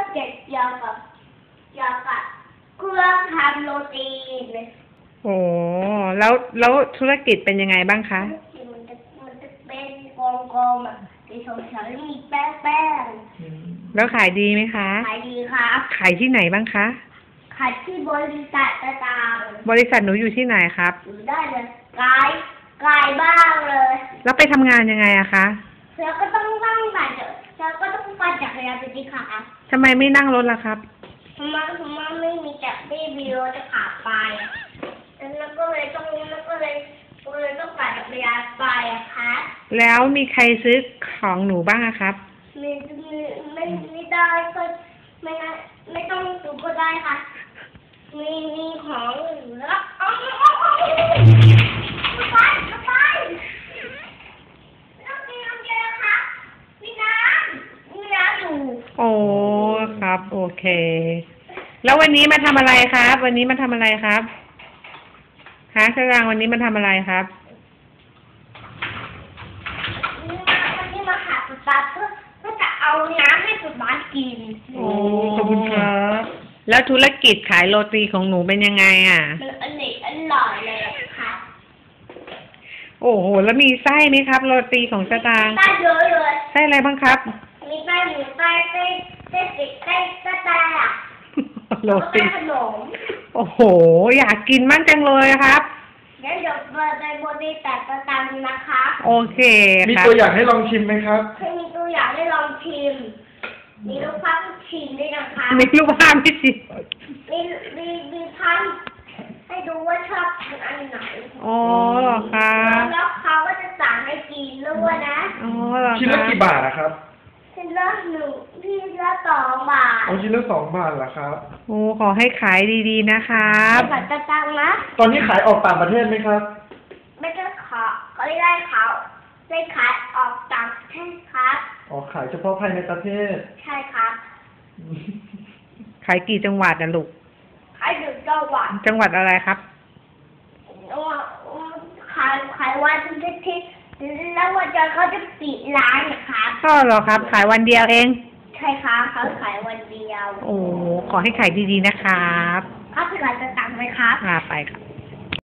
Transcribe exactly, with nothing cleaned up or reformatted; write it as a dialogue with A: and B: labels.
A: เกี่ยวกับเกี่ยวกับเครื่องทำโรตีเลย
B: โอ้แล้วแล้วธุรกิจเป็นยังไงบ้างคะ
A: มันจะมันจะเป็นกลมๆแบบสีเขียวๆมีแป้งแป้ง
B: แล้วขายดีไหมคะ
A: ขายดีครับ
B: ขายที่ไหนบ้างคะ
A: ขายที่บริษัทต่าง
B: ๆบริษัทหนูอยู่ที่ไหนครับ
A: อยู่ได้เลยไกลไกลบ้างเลย
B: แล้วไปทำงานยังไงอะคะ
A: เธอก็ต้องนั่งปั่นเธอก็ต้องปั่นจักรยานไปที่ขา
B: ทำไมไม่นั่งรถล่ะครับ
A: ทำไมทำไมไม่มีจักรไม่มีรถจะขับไปแล้วก็เลยต้องแล้วก็เลยก็เลยต้องปั่นจักรยานไปอะคะ
B: แล้วมีใครซื้อของหนูบ้างอะครับ
A: ไม่ไม่ไม่ได้ก็ไม่ไม่ต้องซื้อก็ได้ค่ะมีมีของแล้วเอาเอาเอาไปไปแล้วมีน้ำเยอะค่ะมีน้ำมีน้ำอยู่
B: โอ้ครับโอเคแล้ววันนี้มาทำอะไรครับวันนี้มาทำอะไรครับฮะชรางวันนี้มาทำอะไรครับ
A: วันนี้มาหาสุดตาเพื่อเพื่อจะเอาน้ำให้สุดบ้านกิน
B: โอ้ขอบคุณครับแล้วธุรกิจขายโรตีของหนูเป็นยังไงอ่ะ
A: มันอร่อยอร่อยเลยค่ะ
B: โอ้โหแล้วมีไส้ไหมครับโรตีของชราง
A: ไส้เยอะเลย
B: ไส้อะไรบ้างครับ
A: มีไส้หมูไส้ไส้ไส้ติดไส้ไส้ไส้อะ
B: โรตี
A: ขนม
B: โอ้โหอยากกินมากจังเลยครับ
A: เดี๋ยวเดี๋ยวเปิดในบริษัทประจำนะคะ
B: โอเค
C: มีตัวอย่างให้ลองชิมไหมครับ
A: มีตัวอย่างให้ลองชิมมีรูปภาพชิมด้วยนะคะ
B: มีรูปภาพให้ชิม
A: มีมีมีภาพให้ดูว่าชอบทานอันไหน
B: อ๋อเหรอคะ
A: แล้วเขาก็จะสั่งให้กินด้วยนะ
B: อ๋อเหรอคะ
C: ชิ้นละกี่บาทนะครับ
A: ชิ้นละหนึ่งชิ้นละสองบาท
C: อ๋อชิ้นละสองบาทเหรอครับ
B: โอ้ขอให้ขายดีๆนะครับ
A: ขายจะจังนะ
C: ตอนนี้ขายออกต่างประเทศไหมครับ
A: ไม่ได้ขอเขาไม่ได้เขาได้ขายออกต่างประเทศครับ
C: อ๋อขายเฉพาะภายในประเทศ
A: ใช่ครับ
B: ขายกี่จังหวัดนะลูก
A: ขายอยู่จังหวัด
B: จังหวัดอะไรครับ
A: ขายขายวันที่ที่แล้ววันจันทร์เขาจะปิดร้านนะครับ
B: ก็เหรอครับขายวันเดียวเอง
A: ใช่ครับเขาขายวันเดียว
B: โอ้ขอให้ขายดีๆนะครับ
A: เขาขายจะตังค์ไหมครับ
B: อ่าไปครับ